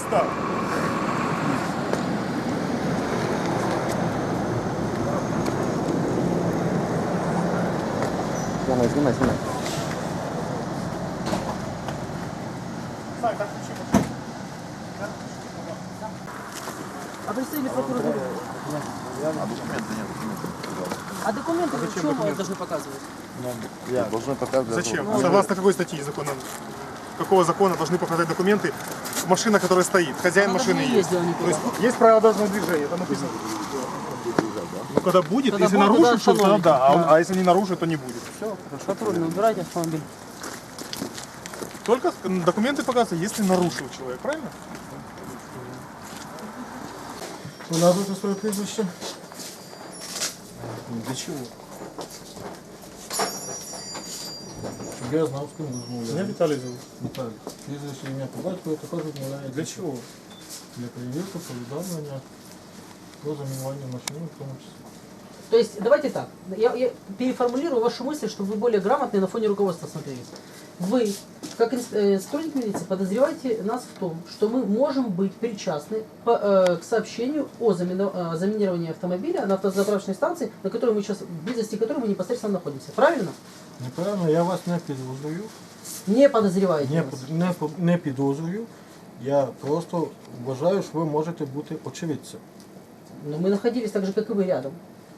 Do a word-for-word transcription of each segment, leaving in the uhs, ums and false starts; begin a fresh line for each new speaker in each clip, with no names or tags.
Встал.
Снимай, снимай, снимай.
Сань, так включи машину.
А представители прокуратуры? А документы в чем вы должны показывать?
Я должен показывать.
Зачем? Согласно какой статьи закона? Какого закона должны показать документы? Машина, которая стоит, хозяин
Она
машины
даже не
есть.
ездила никуда.
То есть есть правила дорожного движения, там написано. Ну когда будет,
Когда
если
будет,
нарушит,
тогда
то тогда
остановите.
да, а,
Да.
а если не нарушит, то не будет. Все, хорошо.
Патрульный, убирайте автомобиль.
Только документы показывают, если нарушил человек, правильно?
Назвати своє прізвище.
Для чего?
Щоб я знав, з ким розмовляю.
Меня Виталий зовут.
Віталій. Прізвище, ім'я по батькові також відмовляється.
Для чего?
Для перевірки, повідомлення про замінування машини в тому числі.
То есть, давайте так, я, я переформулирую вашу мысль, чтобы вы более грамотные на фоне руководства смотрелись. Вы, как инс- э, сотрудник милиции, подозреваете нас в том, что мы можем быть причастны по, э, к сообщению о замино- э, заминировании автомобиля на автозаправочной станции, на которой мы сейчас, в близости которой мы непосредственно находимся. Правильно?
Неправильно, я вас не підозрюю.
Не подозреваете
Не,
нас.
под- не, по- не підозрюю. Я просто вважаю, що ви можете бути очевидцем.
Но мы находились так же, как и вы, рядом.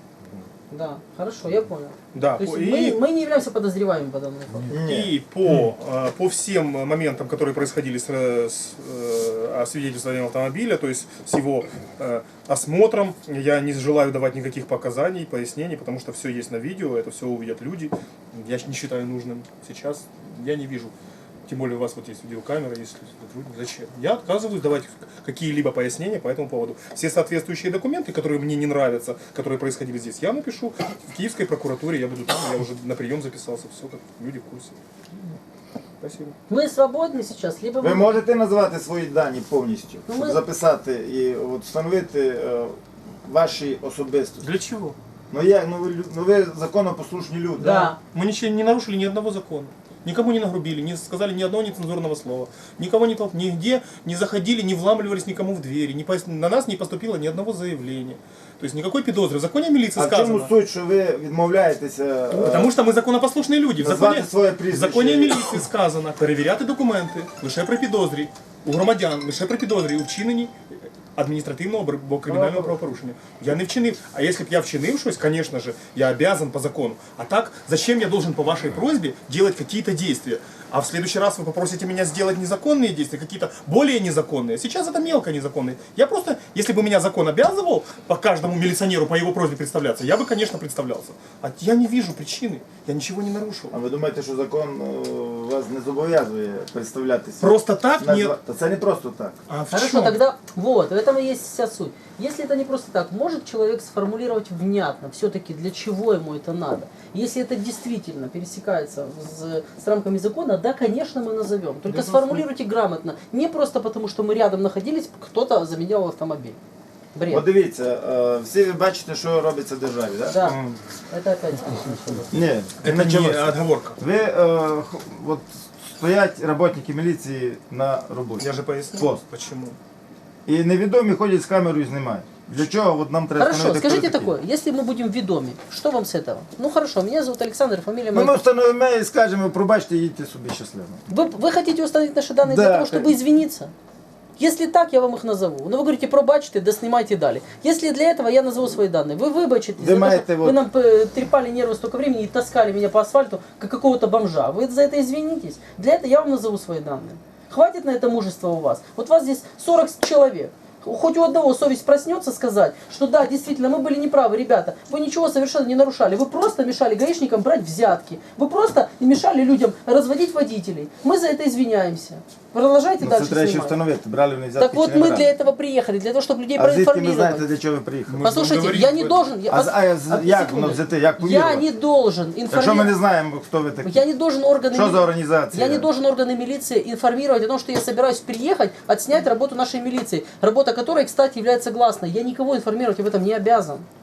Да, хорошо, я понял.
Да,
То есть
и-
мы, мы не являемся подозреваемыми по данному факту.
И по, э, по всем моментам, которые происходили с, э, с э, освидетельствованием автомобиля, то есть с его э, осмотром, я не желаю давать никаких показаний, пояснений, потому что все есть на видео, это все увидят люди. Я не считаю нужным сейчас, я не вижу. Тем более у вас вот есть видеокамера, если сотрудник. Зачем? Я отказываюсь давать какие-либо пояснения по этому поводу. Все соответствующие документы, которые мне не нравятся, которые происходили здесь, я напишу в Киевской прокуратуре, я буду там, я уже на прием записался, все, как люди в курсе. Спасибо.
Мы свободны сейчас, либо
Ви
мы...
можете назвати свої дані повністю,
Ну,
щоб
ми-
записати і от встановити е, ваші особистості.
Для чего?
Ну як, ну ви, лю- ну ви законопослушні люди.
Да.
Мы ничего не нарушили ни одного закона. Никому не нагрубили, не сказали ни одного нецензурного слова. Никого не толп... нигде не заходили, не вламывались никому в двери. Не пос... На нас не поступило ни одного заявления. То есть никакой подозры. В законе о милиции
А в чому
сказано.
суть, що ви відмовляєтеся е,
Потому что мы законопослушные люди. В
назвати
законе,
своє
в
прізвище?
законі о міліції сказано перевіряти документи лише при підозрі у громадян, лише при підозрі у вчиненні адміністративного або кримінального правопорушення. Я не вчинив. А если б я вчинив щось, конечно же, я обязан по закону. А так, зачем я должен по вашей просьбе делать какие-то действия? А в следующий раз вы попросите меня сделать незаконные действия, какие-то более незаконные. Сейчас это мелко незаконные. Я просто, если бы меня закон обязывал по каждому милиционеру по его просьбе представляться, я бы, конечно, представлялся. А я не вижу причины. Я ничего не нарушил.
А ви думаєте, що закон е, вас не зобов'язує представлятися?
Просто так?
Назва-
Нет.
Та це не просто так.
А в
Хорошо,
чем?
тогда вот, в этом и есть вся суть. Если это не просто так, может человек сформулировать внятно, все-таки для чего ему это надо? Если это действительно пересекается с, с рамками закона, да, конечно, мы назовем. Только
Да,
сформулируйте грамотно. Не просто потому, что мы рядом находились, кто-то заменял автомобиль. Бред.
От дивіться, е, всі ви бачите, що робиться в державі, так?
Да, это опять смешно.
Ні,
Это
началося.
не отговорка.
Ви, е, х- от стоять роботники міліції на роботі.
Я же пояснил,
Пост.
почему.
І невідомі ходять з камерою і знімають. Для чого от нам треба
Хорошо,
встановити,
скажите
хто такий?
такое, если мы будем ведомы, что вам с этого? Ну хорошо, меня зовут Александр, фамилия
Ну,
моя.
ми встановимо і скажемо, пробачте, їдьте собі щасливо.
Вы, вы хотите установить наши данные
Да,
для того, чтобы
конечно.
извиниться? Если так, я вам их назову. Но вы говорите, пробачьте, да снимайте далее. Если для этого я назову свои данные, вы выбачитесь,
Вы
за то,
маете
что
вот-
вы нам э, трепали нервы столько времени и таскали меня по асфальту, как какого-то бомжа. Вы за это извинитесь. Для этого я вам назову свои данные. Хватит на это мужества у вас. Вот вас здесь сорок человек. Хоть у одного совесть проснется сказать, что да, действительно, мы были неправы, ребята, вы ничего совершенно не нарушали, вы просто мешали гаишникам брать взятки, вы просто мешали людям разводить водителей. Мы за это извиняемся. Продолжайте
Ну, це
дальше
треба ще
снимать.
встановити, брали вони взятки
Так вот
чи не
мы
брали.
для этого приехали, для того, чтобы людей
А звідки ви
проинформировать.
знаєте, для чого ви приїхали?
Ми
Послушайте,
говорили
я
об
не
этом.
должен... Я,
А, з- а, з-
одну
як
секунду.
воно взяти, як
Я
повірувати?
не должен
Якщо ми не
информировать...
знаємо, хто ви такі.
Я не должен органы...
Что
мили-
за организация?
Я не должен органы милиции информировать о том, что я собираюсь приехать, отснять работу нашей милиции, работа которой, кстати, является гласной. Я никого информировать об этом не обязан.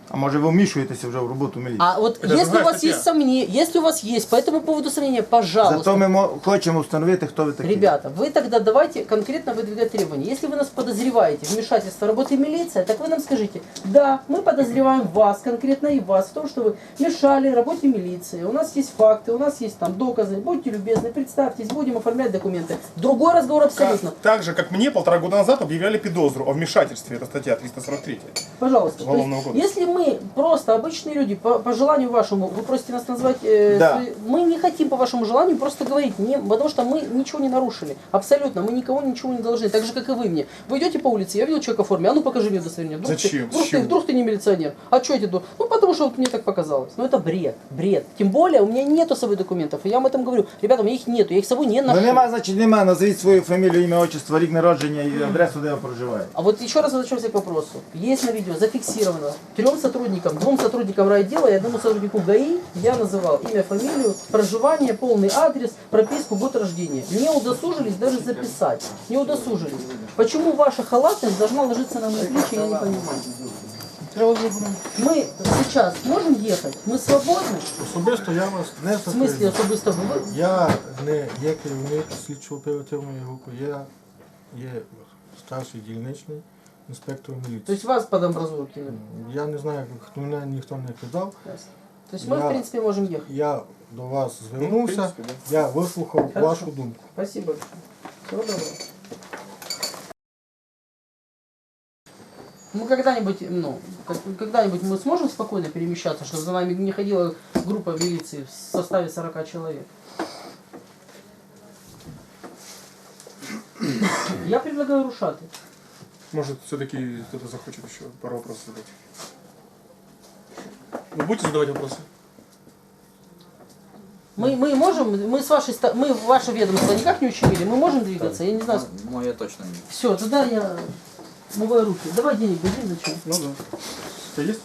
А може ви вмішуєтеся вже в роботу міліції?
А вот
Это
если у
другая
вас
статья.
есть сомнения, если у вас есть по этому поводу сомнения, пожалуйста.
Зато ми мо- хочемо встановити, хто ви такі.
Ребята, вы тогда давайте конкретно выдвигать требования. Если вы нас подозреваете в вмешательство в работы милиции, так вы нам скажите, да, мы подозреваем вас, конкретно и вас, в том, что вы мешали работе милиции. У нас есть факты, у нас есть там доказы. Будьте любезны, представьтесь, будем оформлять документы. Другой разговор абсолютно.
Так же, как мне полтора года назад объявляли педозру о вмешательстве, это статья триста сорок три.
Пожалуйста. То есть,
Уголовного кодекса.
если мы просто обычные люди, по, по желанию вашему, вы просите нас назвать, э,
Да.
свои- мы не хотим по вашему желанию просто говорить, не, потому что мы ничего не нарушили. Абсолютно, мы никого ничего не должны. Так же, как и вы мне. Вы идете по улице, я видел человека в форме, а ну покажи мне удостоверение. Вдруг
Зачем?
Ты, вдруг,
С
ты,
чего?
вдруг ты не милиционер. А что эти ду- Ну потому что вот мне так показалось. Ну это бред, бред. Тем более у меня нету с собой документов. И я вам этом говорю. Ребята, у меня их нету, я их с собой не
Ну
ношу.
нема, значить нема. Назвіть свою фамілію, ім'я, отчество, рік народження і адресу, де ви проживаєте.
А вот еще раз возвращаемся к вопросу. Есть на видео зафиксировано трем сотрудникам, двум сотрудникам райотдела и одному сотруднику ГАИ я называл имя, фамилию, проживание, полный адрес, прописку, год рождения. Не удосужились даже записать. Не удосужились. Почему ваша халатность должна ложиться на мои плечи, я не понимаю. Мы сейчас можем ехать? Мы свободны?
Особисто я вас не
В смысле
запевняю.
особисто ви?
Я не є керівник слідчо-оперативної групи, я є старший дільничний інспектор
То
міліції.
есть вас под амбразуру кинули?
Я не знаю, хто мене ніхто не кидав.
То есть мы
Я-
в принципе можем ехать.
Я до вас звернувся,
принципі,
я вислухав
Хорошо.
вашу думку.
Спасибо большое. Всего доброго. Мы когда-нибудь, ну, как- когда-нибудь мы сможем спокойно перемещаться, чтобы за нами не ходила группа милиции в составе сорока человек? Я предлагаю рушаты.
Может, все-таки кто-то захочет еще пару вопросов задать. Вы будете задавать вопросы?
Мы, мы можем, мы с вашей, ста- мы ваше ведомство никак не ущемили, мы можем двигаться, я не знаю.
Моє точно ні.
Все, тогда я умываю руки. Давай денег дадим, зачем?
Ну да. Что есть?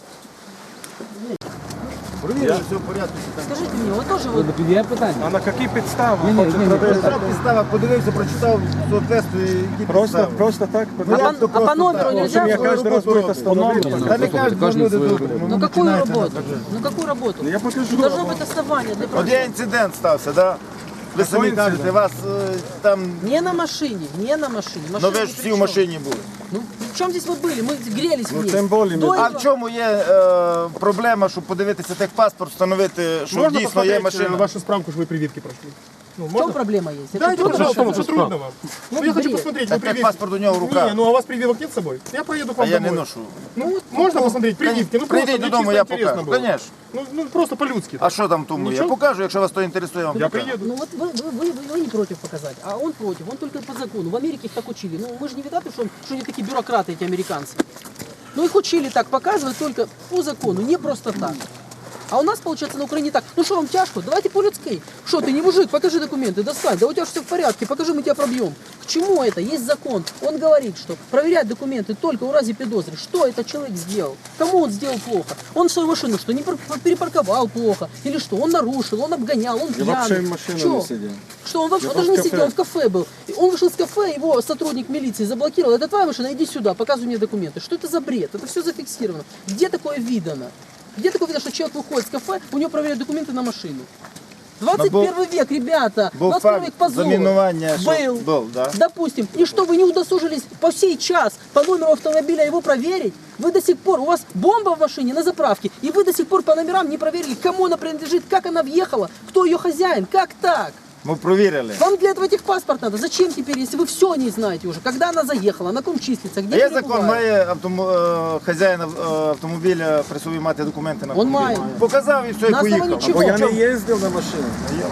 Провірили, все в порядку.
Скажите мне, вы тоже вот
Є питання?
А на які підстави?
Ні, ні, ні, ні,
Прочитав підстава, подивився, прочитав соответствує, які підстави.
Просто так?
А по, а по номеру нельзя?
Я кожен раз буду остановлювати.
Та не кажуть,
Кожен
люди
свою
добрі.
роботу.
Ну какую
починаєте
работу?
нас вже.
Ну какую работу?
Я покажу.
Должно быть основание для
От
проведения.
є інцидент стався, да? Ви самі кажете, вас е, там,
Не на машине, не на машине.
ну
Машина
ви
ни
ж
при
всі в
чем.
машині були.
Ну, в чем здесь вы были? Мы грелись
Ну,
вместе.
тем более
До
мы-
А
этого-
в чому є е, проблема, щоб подивитися техпаспорт, встановити, що
Можно
дійсно є
посмотреть э,
машина?
вашу справку, что вы прививки прошли? Ну,
В чем
можно?
проблема есть?
Да,
Это
это
трудно.
пожалуйста, что трудно вам? Ну, я хочу
бред.
посмотреть,
Та
вы прививки.
техпаспорт у нього в руках,
Не, ну а у вас прививок нет с собой? Я поеду к
а
вам
я не
домой.
ношу.
Ну, вот, можно посмотреть прививки? Ну, просто
Прийдіть
мне
додому,
чисто
я
интересно
покажу.
было.
Конечно.
Ну, ну, просто по-людски.
А що там тому? Я
Нічого?
покажу, якщо вас то інтересує, я вам
Я
покажу.
приеду.
Ну вот вы, вы, вы, вы- вы не против показать, а он против, он только по закону. В Америке их так учили. Ну мы же не видаты, что, что они такие бюрократы, эти американцы. Ну их учили так показывать только по закону, не просто так. А у нас, получается, на Украине так. Ну что, вам тяжко? Давайте по-людски. Что, ты не мужик? Покажи документы, достань. Да у тебя все в порядке, покажи, мы тебя пробьем. К чему это? Есть закон. Он говорит, что проверять документы только у разе педозры. Что этот человек сделал? Кому он сделал плохо? Он свою машину что, не пар- перепарковал плохо? Или что? Он нарушил, он обгонял, он пьяный.
вообще в машине
Чё?
не сидел.
Что, он вообще
Я
он даже
был
не
в кафе.
сидел, он в кафе был. И он вышел из кафе, его сотрудник милиции заблокировал. Это твоя машина, иди сюда, показывай мне документы. Что это за бред? Это все зафиксировано. Где такое видано? Где такое видно, что человек выходит с кафе, у него проверяют документы на машину? двадцать первый век, ребята!
Був
двадцать первый
факт
век позор.
замінування, що
Был.
був, да?
Допустим, и что, вы не удосужились по сей час по номеру автомобиля его проверить? Вы до сих пор, у вас бомба в машине на заправке, и вы до сих пор по номерам не проверили, кому она принадлежит, как она въехала, кто ее хозяин, как так?
Ми провірили.
Вам для этого техпаспорт надо. Зачем теперь, если вы все не знаете уже? Когда она заехала, на ком числится, где
А є
перебывает?
закон, має автому, е, хазяїн е, автомобіля при собі мати документи на
Он
автомобіль.
має.
Показав і все, і
На основании
поїхав.
чего?
Бо я
В
не
чём?
їздив на машині.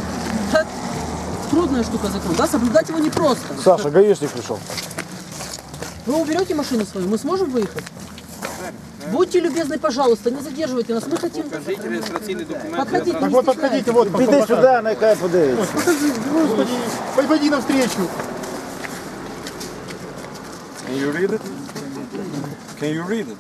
Да, трудная штука закон, да? Соблюдать его непросто.
Саша, гаишник пришел.
Вы уберете машину свою, мы сможем выехать? Будьте любезны, пожалуйста, не задерживайте нас. Мы хотим... Подходите,
Так
не
вот
стесняйтесь.
подходите, вот.
Піди
покажи.
сюди, нехай подивиться.
Покажи, господи, пойди навстречу.
Can you read it? Can you read it?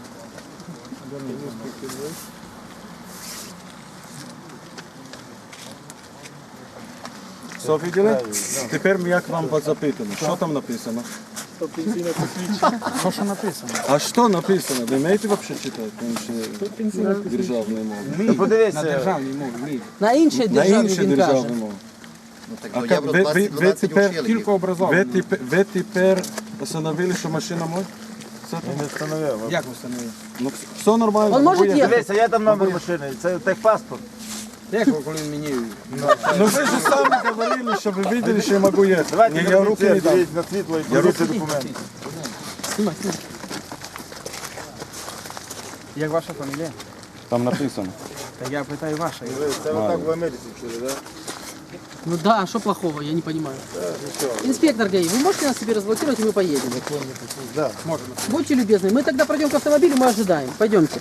Все видели? Тепер як вам запитано, що там написано?
Что пенсийное посвящение.
А що написано? Ви вмієте взагалі читати? Тому що державною мовою.
Та подивися,
На іншій
На
державі
інші
він каже.
державною мовою.
Так,
А
ну,
как,
євро
ви, ви, ви,
двадцять
тепер,
учили.
ви, тепер, ви тепер постановили, що машина може? Все там?
не встановив.
Як ви встановили?
Ну, все нормально.
Он може
бо я-
їхати?
Дивися, я там номер машини, це техпаспорт.
Як ви, коли він мені...
Ну ви ж самі говорили, що ви видели, що я можу їхати.
Давайте
Ні, я руки не дам.
на світло і подивіться документи.
Знімай, знімай.
Як ваша фамілія?
Там написано.
Так я питаю ваша.
Це отак в Америці вчили, так?
Ну да, а что плохого, я не понимаю. Инспектор ГАИ, вы можете нас себе разблокировать, и мы поедем?
Да.
Будьте любезны, мы тогда пройдем к автомобилю, мы ожидаем. Пойдемте.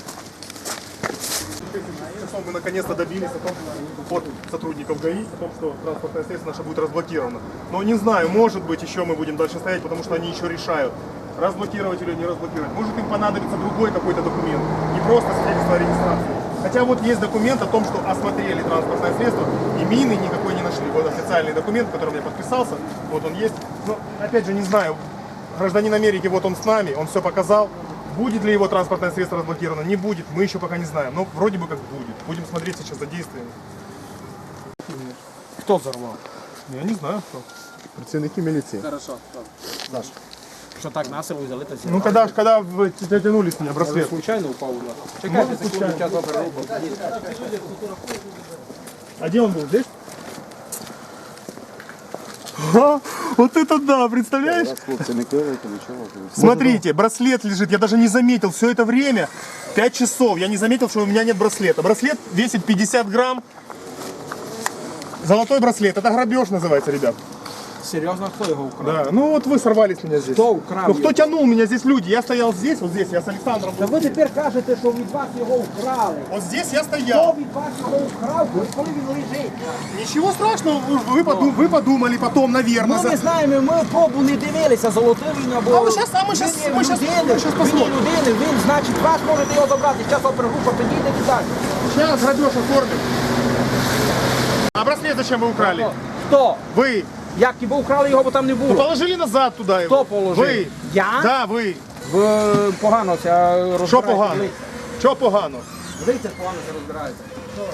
Мы наконец-то добились о том, от сотрудников ГАИ, о том, что транспортное средство наше будет разблокировано. Но не знаю, может быть, еще мы будем дальше стоять, потому что они еще решают, разблокировать или не разблокировать. Может, им понадобится другой какой-то документ, не просто свидетельство о регистрации. Хотя вот есть документ о том, что осмотрели транспортное средство и мины никакой не нашли. Вот официальный документ, в котором я подписался, вот он есть. Но опять же не знаю, гражданин Америки, вот он с нами, он все показал. Будет ли его транспортное средство разблокировано, не будет, мы еще пока не знаем. Но вроде бы как будет. Будем смотреть сейчас за действиями.
Хто взорвав?
Я не знаю кто. Працівники милиции.
Хорошо. Що так насилу взяли та
Ну когда, ж- когда вы тянули с меня браслет?
Случайно упав у нас. Чекайте секунду, час опер робить.
А где он был? Здесь? А, вот это да, представляешь?
Хлопці, не кривайте, нічого.
Смотрите, браслет лежит, я даже не заметил все это время, пять часов, я не заметил, что у меня нет браслета. Браслет весит пятьдесят грамм, золотой браслет, это грабеж называется, ребят.
Серйозно, хто його украв?
Да, ну вот вы сорвали с меня здесь.
Хто украв
Ну кто
його?
тянул меня здесь люди? Я стоял здесь, вот здесь, я с Александром.
Та ви тепер кажете, що від вас його вкрали.
Вот здесь я
Хто
стоял.
від вас його вкрав, коли він лежить?
Ничего страшного, вы, вы, подум- вы подумали потом, наверное.
Ми
за-
не знаємо, ми пробу не дивилися, золотий він або...
А ми щас- а ми щас-
Він є
ми щас-
людини,
ми щас
він
посмотрим.
є людини, він, значить, вас можете його забрати. Зараз опергрупа підійде і так.
Сейчас грабеж оформим. А браслет зачем вы украли?
Хто?
Вы.
Як і ви украли його, бо там не
Ну,
було.
положили назад туда его.
Хто положив?
Вы.
Я?
Да, ви.
Ви погано ся розбираєте.
Що погано? Що погано?
Дивіться, погано ся розбираєте.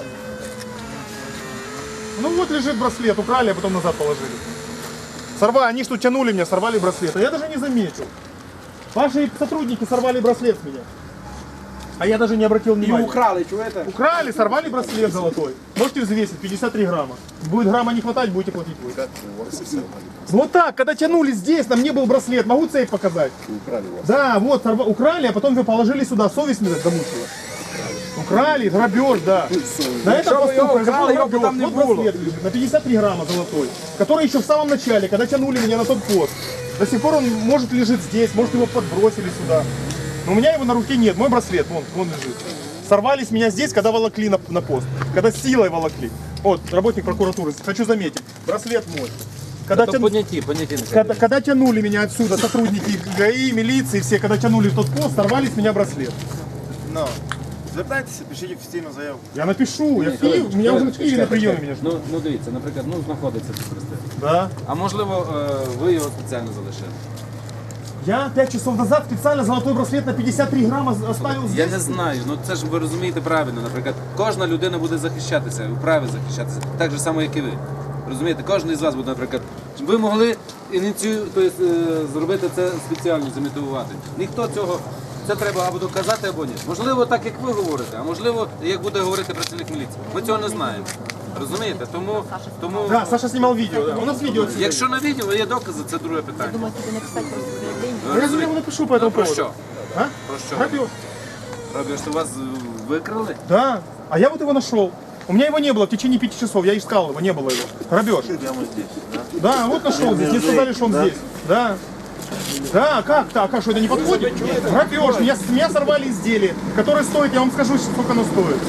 Ну вот лежит браслет, украли, а потом назад положили. Сорвали, они что тянули меня, сорвали браслет. А я даже не заметил. Ваши сотрудники сорвали браслет с меня. А я даже не обратил
І
внимания.
украли, чуєте?
Украли, сорвали браслет золотой. Можете взвесить, пятьдесят три грамма. Будет грамма не хватать, будете платить вы. Вот так, когда тянули здесь, на мне был браслет, могу цепь показать. Да, вот, сорва- украли, а потом вы положили сюда, совесть меня замучила. Украли, грабеж, да. На этом
Что вы его
поступок,
украли, его
грабеж.
там не
Вот
было.
браслет лежит, на пятьдесят три грамма золотой, который еще в самом начале, когда тянули меня на тот пост. До сих пор он может лежит здесь, может его подбросили сюда. Но у меня его на руке нет, мой браслет, вон, вон лежит. Сорвали с меня здесь, когда волокли на, на пост, когда силой волокли. Вот, работник прокуратуры, хочу заметить, браслет мой. Когда, тяну-
Поняті, поняті.
когда, когда тянули меня отсюда, сотрудники ГАИ, милиции, все, когда тянули в тот пост, сорвали с меня браслет.
Ну, звертайтеся, пишіть офіційну заяву.
Я напишу, я в Киев, у меня уже в Киеве на приеме меня ждут.
Ну, ну дивіться, наприклад, ну знаходиться тут браслет.
Да.
А можливо, е, ви його спеціально залишили?
Я пять часов назад специально золотой браслет на пятьдесят три грамма оставил
Я
здесь.
не знаю, ну це ж ви розумієте правильно. Наприклад, кожна людина буде захищатися, вправі захищатися, так же само, як і ви. Розумієте, кожен із вас буде, наприклад, ви могли ініцію, тобто, е, зробити це спеціально, замітувати. Ніхто цього, це треба або доказати, або ні. Можливо, так як ви говорите, а можливо, як буде говорити працівник міліції. Ми цього не знаємо. Розумієте? Тому, тому
Да, Саша снимал видео, да. У нас видео отсюда.
якщо на відео є докази, це друге питання.
Думаю, тебе написать просто заявление.
Ви
Я ему
розумієте?
напишу по этому
Про
поводу.
що?
А?
Про що?
Грабеж.
Робиш, що вас е, викрали?
Да. А я вот его нашел. У меня его не было в течение пяти часов. Я искал его, не было его. Грабеж. Да, вот нашел здесь. Мне сказали, что он здесь. Да. Да, как так? А что, это не подходит? Грабеж. Меня, с меня сорвали изделие, которое стоит, я вам скажу, сколько оно стоит.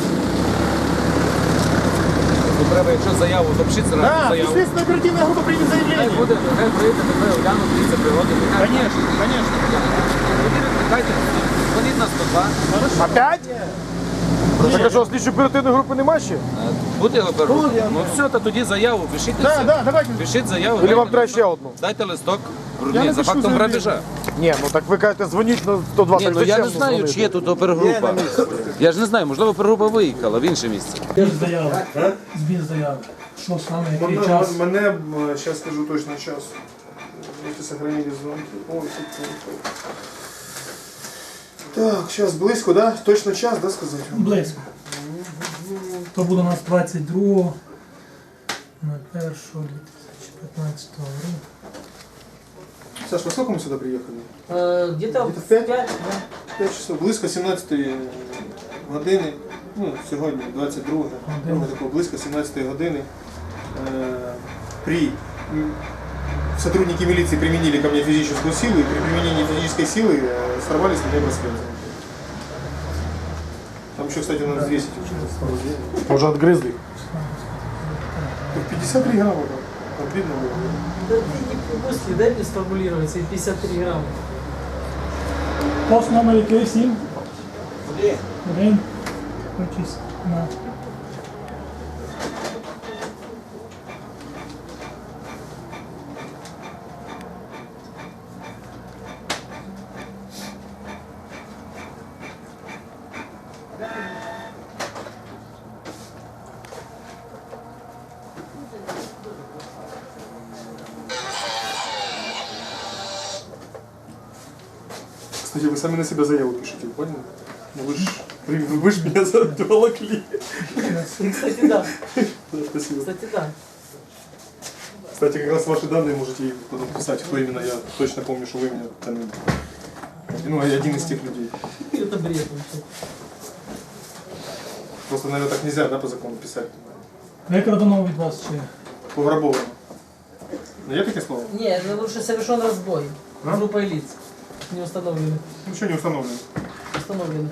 Ну, треба, якщо заяву, запишіть зразу
Да,
заяву.
следственная оперативная группа примет
Хай
заявление.
буде, хай прийде, тебе оглянуть, дивіться пригоди.
Конечно, конечно.
Дайте, дзвоніть на сто два.
Опять?
Так а що, слідчої оперативної групи немає ще?
Буде його беруть. Ну все, то тоді заяву, пишіть. і
Да,
все.
да, давайте.
Пишіть заяву.
Или
дайте
вам треба
листок.
ще одну?
Дайте листок, Ні, за фактом грабежа.
Ні, ну так ви кажете, дзвоніть на сто два.
Ні,
так
ну я
зачем
не знаю,
дзвонити?
чи є тут опергрупа. Я ж не знаю, можливо, опергрупа виїхала в інше місце.
Збір заяви. Збір заяви. Що саме, який
Мене,
час?
мене зараз скажу точно час. Если сохранили звонки. Ой, тут, тут, тут. Так, сейчас близько, да? Точно час, да, сказать?
Близько. То буде у нас двадцять другого на першого дві тисячі п'ятнадцятого року.
Саш, во сколько мы сюда приехали?
Э, Где-то
Где-то
в
в пять?
пять, да.
п'ять часов. Близько сімнадцятої години. Ну, сьогодні двадцять друге.
Години.
Такого близько сімнадцятої години. Э, при м, сотрудники милиции применили ко мне физическую силу, и при применении физической силы э, сорвали с меня браслет. Там еще, кстати, надо взвесить уже.
Може, відгризли?
пятьдесят три грамма, да. Обидно было.
Да ты не мысли, дай мне сформулировать, эти пятьдесят три грамма.
Пост номер який? Сім? Один. Один. Хочись на...
Кстати, вы сами на себя заяву пишете, вы поняли? Ну вы ж, вы ж меня заволокли.
Кстати, да.
Да, спасибо.
Кстати, да.
Кстати, как раз ваши данные можете и потом писать, кто именно. Я точно помню, что вы меня там... Ну, я один из тех людей.
Это бред вообще.
Просто, наверное, так нельзя, да, по закону писать.
Викрадено від вас чи?
Пограбовано. Ну, я такие слова?
Не, ну лучше совершен разбой.
А?
Группой лиц. Не установлены.
Ничего не установлено.
Установлены.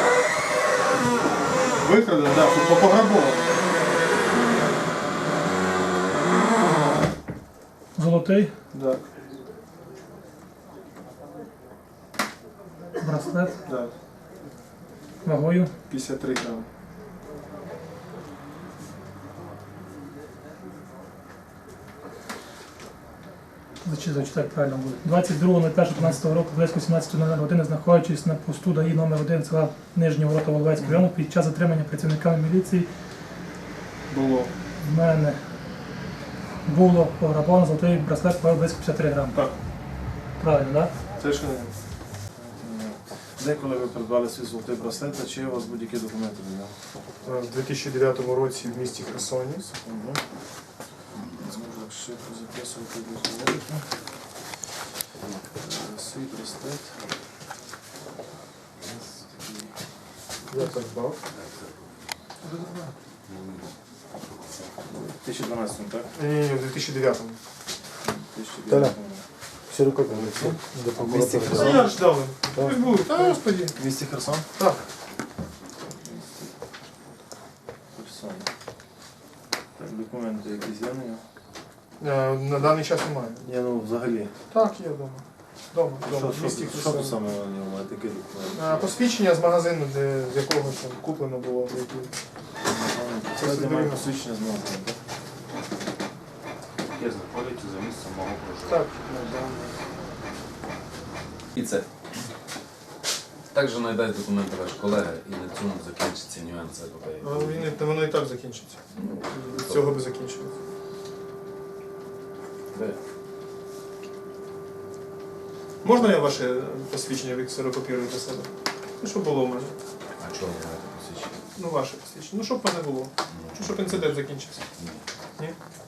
Выкрадено, да, по- пограбовано.
Золотий
Да,
браслет
да.
вагою.
пятьдесят три грамма.
Зачи- Зачитати правильно буде. двадцять другого липня дві тисячі п'ятнадцятого року близько сімнадцятої години, знаходячись на посту ДАІ номер один села Нижні Ворота Воловецького району, під час затримання працівниками міліції
Было.
в мене було пограбовано золотий браслет вагою близько п'ятдесят три грами.
Так,
Правильно, так?
совершенно верно.
Деколи ви придбали свій золотий браслет, а чи є у вас будь-які документи до нього?
В дві тисячі дев'ятому році в місті Херсоні.
Угу. Зможу так швидко записувати документи. Е, Свій браслет.
Я так дав.
В дві тисячі дванадцятому, так?
Ні, ні, в дві тисячі дев'ятому.
дві тисячі дев'ятому. В місті
Ну,
Херсон.
я ж дав. Пусть будет. А, господи.
В місті Херсон?
Так.
Херсон. Так, документи якісь є на нього?
Е, На даний час немає.
Ні, ну взагалі.
Так, є вдома. Дома,
Що,
дома, в
що,
місті
що
Херсон.
тут саме на ньому має такі документи?
Е, Посвідчення з магазину, де, з якого там куплено було. в якій-
Це
Це
має
собі-
посвідчення з магазину, так?
Яке знаходиться за місцем мого проживання.
Так.
І це. Також знайдуть документи ваш колега і на цьому закінчиться нюанси епопеї.
А Він, і- воно і так закінчиться. З цього би закінчилось.
Де?
Можна я ваше посвідчення відксерокопірую до себе? Ну, щоб було в мене.
А чого ви маєте посвідчення?
Ну, ваше посвідчення. Ну, щоб в мене було. Щоб інцидент закінчився. Ні?